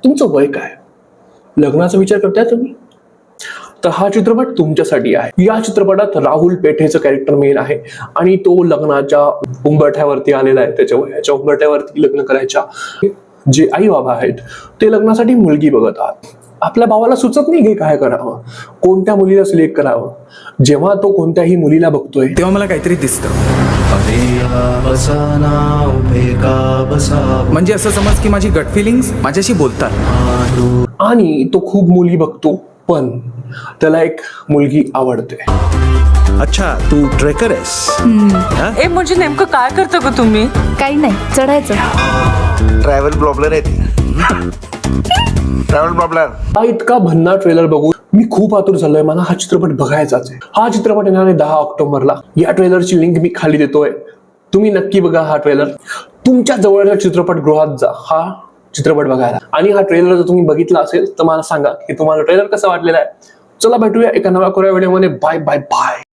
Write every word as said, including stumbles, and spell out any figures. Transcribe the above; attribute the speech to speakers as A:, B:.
A: तुमचं वय काय, लग्नाचा विचार करताय तुम्ही, तर हा चित्रपट तुमच्यासाठी आहे. या चित्रपटात राहुल पेठेचं कॅरेक्टर मेन आहे आणि तो लग्नाच्या उंबरठ्यावरती आलेला आहे. त्याच्या वयाच्या उंबरठ्यावरती लग्न करायच्या जे आई बाबा आहेत ते लग्नासाठी मुलगी बघत आहात. आपल्या भावाला सुचत नाही की काय करावं, कोणत्या मुलीला सिलेक्ट करावं. जेव्हा तो कोणत्याही मुलीला बघतोय
B: तेव्हा मला काहीतरी दिसतं. म्हणजे असं समज की माझी गट फिलिंग्स माझ्याशी बोलतात.
A: आणि तो खूप मुली बघतो पण त्याला एक मुलगी आवडते.
C: अच्छा, तू ट्रेकर आहेस?
D: ए म्हणजे नेमकं काय करता ग तुम्ही?
E: काही नाही, चढायचं.
C: ट्रॅव्हल ब्लॉगलर आहे ती. Travel blogger.
A: हा इतका भन्ना ट्रेलर बघून मी खूप आतुर झालोय. मला हा चित्रपट बघायचाच आहे. हा चित्रपट येणार आहे दहा ऑक्टोबरला. या ट्रेलरची लिंक मी खाली देतोय, तुम्ही नक्की बघा हा ट्रेलर. तुमच्या जवळच्या चित्रपटगृहात जा हा चित्रपट बघायला. आणि हा ट्रेलर जर तुम्ही बघितला असेल तर मला सांगा की तुम्हाला ट्रेलर कसा वाटलेला आहे. चला भेटूया एका नव्या कोऱ्या व्हिडिओमध्ये. Bye bye bye.